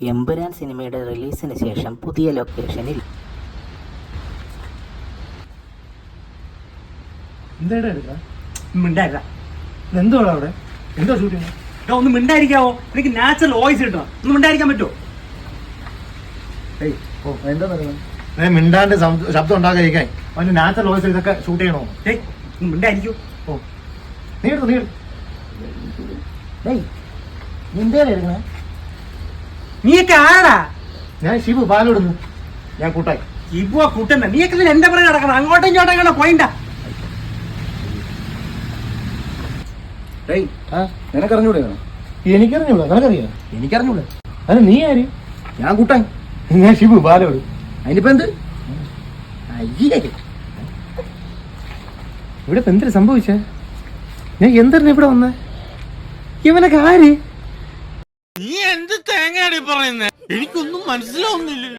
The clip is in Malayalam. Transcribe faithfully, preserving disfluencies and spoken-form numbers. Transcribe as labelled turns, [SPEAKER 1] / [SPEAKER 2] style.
[SPEAKER 1] എമ്പുരാൻ സിനിമയുടെ റിലീസിന് ശേഷം പുതിയ ലൊക്കേഷനിൽ
[SPEAKER 2] എന്തോടാ അവിടെ എന്തോ ഷൂട്ടിങ്?
[SPEAKER 3] ഒന്ന് മിണ്ടായിരിക്കാവോ? എനിക്ക് നാച്ചുറൽ വോയിസ് കിട്ടണം. ഒന്ന് മിണ്ടായിരിക്കാൻ പറ്റുമോ?
[SPEAKER 2] ഏ മിണ്ടാണ്ട് ശബ്ദം ഉണ്ടാകാതിരിക്കാൻ അവന് നാച്ചുറൽ വോയിസ് ഇതൊക്കെ ഷൂട്ട് ചെയ്യണോ?
[SPEAKER 3] ഏയ് ഒന്ന് മിണ്ടായിരിക്കോ?
[SPEAKER 2] ഓ നീ എടുത്തു നീ എടുക്കണേ.
[SPEAKER 3] നീയൊക്കെ ആരാ?
[SPEAKER 2] ഞാൻ ശിവു പാലോടുന്നു. ഞാൻ കൂട്ടായി
[SPEAKER 3] ഇപ്പൊ കൂട്ടണ്ട. നീയൊക്കെ എന്റെ പുറകെ നടക്കണം. അങ്ങോട്ടും ഇങ്ങോട്ടും അങ്ങനെ പോയിണ്ട.
[SPEAKER 2] നിനക്കറിഞ്ഞൂടെ? എനിക്കറിഞ്ഞൂടാ. നിനക്കറിയാ?
[SPEAKER 3] എനിക്കറിഞ്ഞൂടെ.
[SPEAKER 2] അത് നീ ആര്?
[SPEAKER 3] ഞാൻ കൂട്ടാൻ.
[SPEAKER 2] ഞാൻ ശിവു പാലോട്.
[SPEAKER 3] അതിനിപ്പോ എന്ത്? അയ്യേ
[SPEAKER 2] ഇവിടെ ഇപ്പൊ എന്തിനാ സംഭവിച്ചേ? ഞാൻ എന്തിനാ ഇവിടെ വന്നേ? ഇവനൊക്കെ ആര്?
[SPEAKER 4] നീ എന്ത് തേങ്ങയാടി പറയുന്നേ? എനിക്കൊന്നും മനസ്സിലാവുന്നില്ല.